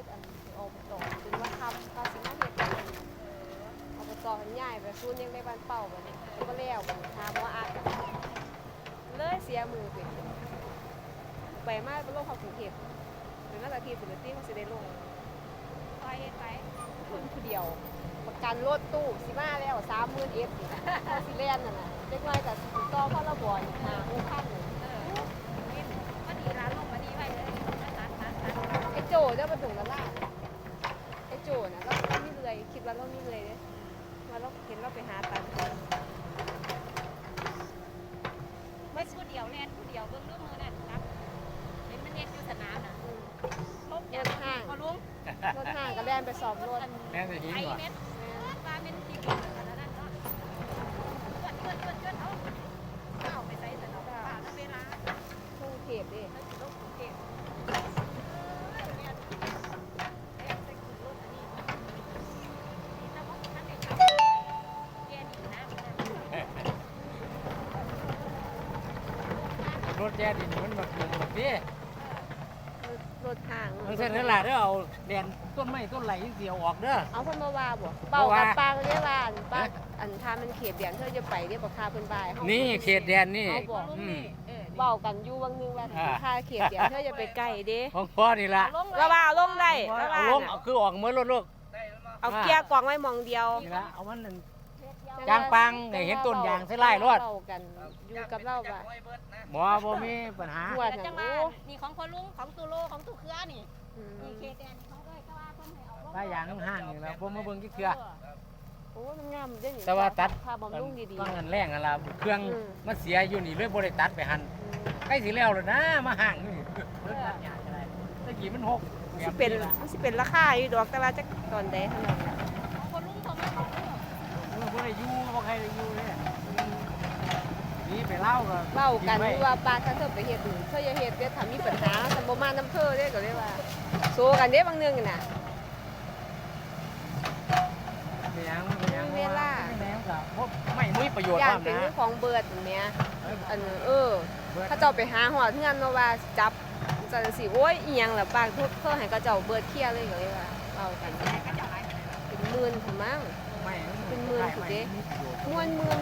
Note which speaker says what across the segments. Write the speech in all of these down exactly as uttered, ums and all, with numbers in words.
Speaker 1: ดอันอบตเป็นว่าทำเขาสิมาเฮ็ดอบตมันใหญ่ไปซูนยังในบ้านเป่าบัดนี้ก็แล้วบัดนี้ถามว่าอากันเลยเสียมือไปไปมาบ่ลงเขากรุงเทพเป็นมาตรฐานปกติเขาสิได้ลงไปไปคนผู้เดียวประกันรถตู้สิมาแล้วสามหมื่นเอฟนี่เขาสิแล่นนั่นน่ะเล็กน้อยก็สิต่อพรบอีกห้า หกพันเออก็ดีร้านลงมาดีไว้เลยไอ้โจเจ้าประตูละล่าไอ้โจน่ะเราเรามีเลยคิดว่าเรามีเลยเด้ว่าเราเห็นเราไปหาตังค์ไม่ผู้เดียวแน่นผู้เดียวเบิ่งลูกมือนั่นครับเห็นมันเน็ตอยู่สนามน่ะลบรถห้างพอลุงรถห้างก็แล่นไปสอบรถ
Speaker 2: แล่นไปหิ้งก่อน
Speaker 1: ปลาเป็นที่กินกันแล้วนั่นเนาะเกิดเกิดเกิดเกิดเอาเอาไปใส่สนามป่าเวลาทุ่งเก็บดิทุ่งเก็บ
Speaker 2: รถแย่ดินมันแบบแบบนี้
Speaker 1: รถทาง
Speaker 2: มันเส้นนั่นแหละเด้อเอาแดนต้นไม้ต้นไหลเสียวออกเด้อ
Speaker 1: เอาคนมาว่าบ่เป่ากับปลาเรียกว่าปลาอันทามันเขตแดนเธอจะไปเรียกว่าคาเพิ่นบาย
Speaker 2: นี่เขตแดนนี่
Speaker 1: เบากันอยู่วังนึงว่าคาเขตแดนเธอจะไปใกล้เด้
Speaker 2: ของพ่อนี่ล่ะ
Speaker 1: ระว่าลงได้ระว่า
Speaker 2: ลงคือออกเหมือนรถลูก
Speaker 1: เอาเกียร์กวางไว้มองเดียว
Speaker 2: นี่ละเอามันจางปังเห็นต้นยางใส่ไล่รถ
Speaker 1: กันอยู่กับเราบ่
Speaker 2: บ่บ่มีปัญหา
Speaker 1: จังว่านี่ของพ่อลุงของตุโลของตุเครือนี่นี่เขตแดนเขาก็ว่าเพิ่นให้เอาลง
Speaker 2: ป้ายางห้างนี่แล้วบ่มาเบิ่งกี่เครือ
Speaker 1: โอ้มันงามเด้นี่
Speaker 2: แต่ว่าตัด
Speaker 1: ถ้าบำรุงดี
Speaker 2: ๆต้องกันแรงนั่นล่ะเครื่องมันเสียอยู่นี่เลยบ่ได้ตัดไปหั่นใกล้สิแล้วแล้วนะมาห้างนี่รถตัดหญ้าอะไรตะกี้มันหก
Speaker 1: สิเป็นสิเป็นราคาอยู่ดอกแต่ว่าจักตอนใดเท่านั้นของพ่อลุงเขาไม่เอา
Speaker 2: เออบ่ได้อยู่บ่ใครได้อยู่เลยนี่ไปเล่าก็
Speaker 1: เล่ากันว่าปลาถ้าเธอไปเฮ็ดอื่นเธออย่าเฮ็ดเด้ถ้ามีปัญหาถ้าบ่มาน้ำเธอเด้ก็เลยว่าโซกันเด้บางนึงน่ะ
Speaker 2: เป็นหยังเป็นหยังเวลาแม่นก็บ่ไม่มีประโยชน์
Speaker 1: อย่างเป็นของเบิดแม่อันเออเขาเจ้าไปหาฮอดเฮือนเนาะว่าจับจังซี่โอ้ยอีหยังล่ะปากทุกเพิ่นให้เขาเจ้าเบิดเคลียร์เลยก็เลยว่าเว้ากันเป็นหมื่นพุ่นมั้งเป็นหมื่นพุ่นเด้ม่วนหมื่น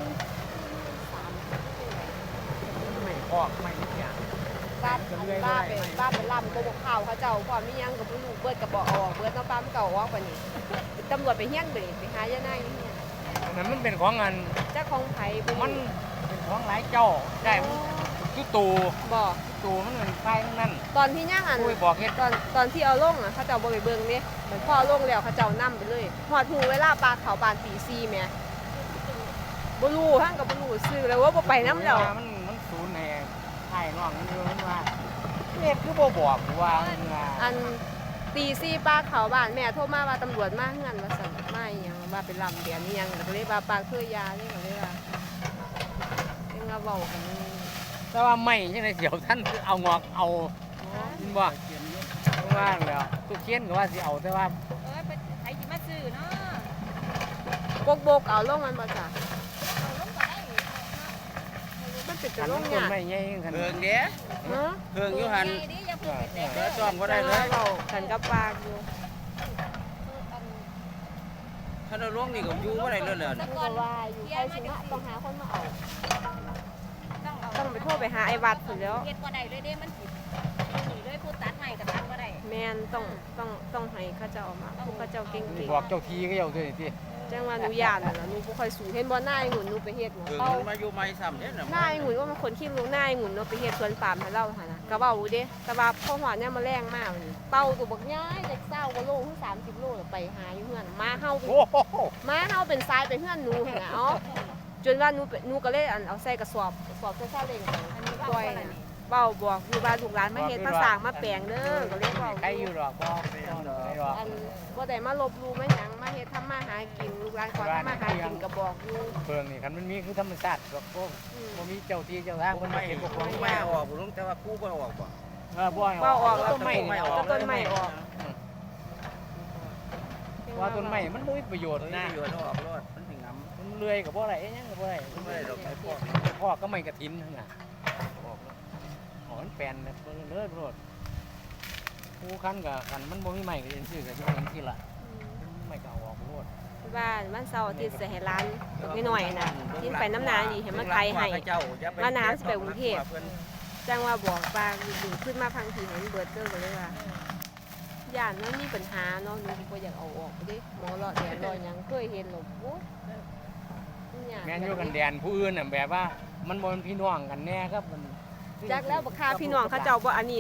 Speaker 2: ไม่ออกไม่นิดอย่าง
Speaker 1: บ้านบ้านเป็นบ้านเป็นลำโกบกข่าวเขาเจ้าพอมียังกับลูกเบิดกับบ่ออกเบิดน้ำปลาไม่เก่าออกกว่านี้ตำรวจไปเฮี้ยนไปไปหายาหน้าอย่างเงี้ย
Speaker 2: นั้นมันเป็นของงาน
Speaker 1: เจ้าของไผ่
Speaker 2: มันเป็นของหลายเจ้าได้ทุกตู
Speaker 1: บ่
Speaker 2: ตูมันเป็นไฟทั้งนั้น
Speaker 1: ตอนที่ย่างอัน
Speaker 2: บอกเฮ็ด
Speaker 1: ตอนตอนที่เอาลงอ่ะเขาเจ้าบ่ไปเบิ่งเนี่ยเหมือนพ่อลงแล้วเขาเจ้านั่มไปเลยหอดหูเวลาปลาเขาบานตีซีแม่บ่รู้ทั้งกับบ่รู้ซื้อแล้วว่าบ่ไปน้ำแล้ว
Speaker 2: มันมันศูนย์แน่ไอ้น้องมันอยู่มันว่าเนี่ยคือบ่บอกว่า
Speaker 1: อันตีซีปลาเขาบ้านแม่โทรมาว่าตำรวจมาเฮือนว่าสั่นมาอีหยังว่าเป็นลำเดียนอีหยังก็เลยว่าปลาเคยยาเลยก็เลยว่าเอ็งว่าเว้ากัน
Speaker 2: แต่ว่าไม่จังได๋เดี๋ยวท่านเอางอกเอาบ่ว่าแล้วตุเคียนก็ว่าสิเอาแต่ว่า
Speaker 1: เอ้ยไปไผสิมาซื้อเนาะบกบกเอาลงมันบ่จ้ะเอาลงก็ได้มันเป็นจะลงยาก
Speaker 2: ไม่ใหญ่คั่น
Speaker 3: เพิ่งเด้ฮะเพิ่งอยู่หั่นเด้จ้อมบ่ได้เลย
Speaker 1: เว้ากันกับปากอยู่
Speaker 3: ถ้าเราลงนี่ก็อยู่บ่ได้เลยแล้ว
Speaker 1: นี่ก็ว่าอยู่ใครสิมาต้องหาคนมาเอาต้องไปโทรไปหาไอ้วัดพุ่นแล้ว
Speaker 4: เฮ็ดบ่ได้เลยเด้มันสินี่เลยผู้ตัดใหม่ก็ตัดบ่ได้
Speaker 1: แม่นต้องต้องต้องให้เขาเจ้ามาผู้เขาเจ้าเก่งๆ
Speaker 2: บอกเจ้าทีก็เจ้าตัวนี่ติ
Speaker 1: จังว่าหนูย่านน่ะหนูบ่ค่อยสูงเห็นบ่นายหุ่นหนูไปเฮ็ดหัว
Speaker 3: เป้ามาอยู่ใหม่ซ้ำเด้น่ะ
Speaker 1: นายหุ่นว่ามันคนขี้รู้นายหุ่นเนาะไปเฮ็ดสวนปาล์มให้เราหั่นน่ะก็เว้าอยู่เด้แต่ว่าพอฮอดเนี่ยมาแรงมากนี่เป้าตัวบักใหญ่จักเศร้ากว่าโลถึงสามสิบโลไปหาอยู่เฮือนมาเฮาโอ้โหมาเฮาเป็นทรายไปเฮือนหนูหั่นน่ะเอ้าจนว่าหนูหนูก็เลยอันเอาใส่กระสอบกระสอบใส่ซาเล้งอันนี้ปล่อยน่ะเว้าบอกอยู่ว่าลูกหลานมาเฮ็ดมาสร้างมาแปลงเด้อก็เลยเว้า
Speaker 2: ใครอยู่ดอกบ่ดอก
Speaker 1: อันบ่ได้มาลบลู่มาหยังมาเฮ็ดทำมาหากินลูกหลานขอทำมาหากินก็บอกอยู่
Speaker 2: เพิ่งนี่คันมันมีคือธรรมชาติดอกบ่บ่มีเจ้าที่เจ้าทางเพิ่นมาเฮ็ดบ่คง
Speaker 3: แม่ออกบ่ลงแต่ว่ากูบ่ออกบ่
Speaker 2: เออบ่
Speaker 1: บ่ออก
Speaker 2: ต้นไม้
Speaker 1: ออกต้นไม้ออก
Speaker 2: ว่าต้นไม้มันบ่มีประโยชน์นะ
Speaker 3: ประโยชน์ออกรอดมันสิงํ
Speaker 2: มันเลื่อยก็บ่ได้หยังก็บ่ได้
Speaker 3: บ่ได้ดอกไม้พอก
Speaker 2: พอกก็ไม่กระถินหั่นน่ะออกแล้วอ๋อมันแปลนเด้อโลดผู้คันกับคันมันบ่มีใหม่ก็ยังซื้อก็สิเป็นที่ละไม่ก็เอาออกโลด
Speaker 1: บ้านบ้านเสาร์อาทิตย์สิให้ร้านตกน้อยๆน่ะที่ไปน้ำนานี่ให้มาไกลให้มาน้ำสิไปกรุงเทพจังว่าบอกปลาดึงขึ้นมาพังทีให้มันเบิดเด้อก็เลยว่าย่านมันมีปัญหาเนาะหนูบ่อยากเอาออกไปดิหมอหลอดแดดรอยหยังเคยเห็นหรอกโอ้ย
Speaker 2: แม่นอยู่กันแดนผู้อื่นน่ะแบบว่ามันบ่เป็นพี่น้องกันแน่ครับมัน
Speaker 1: จักแล้วบักค่าพี่น้องเขาเจ้าบ่อันนี้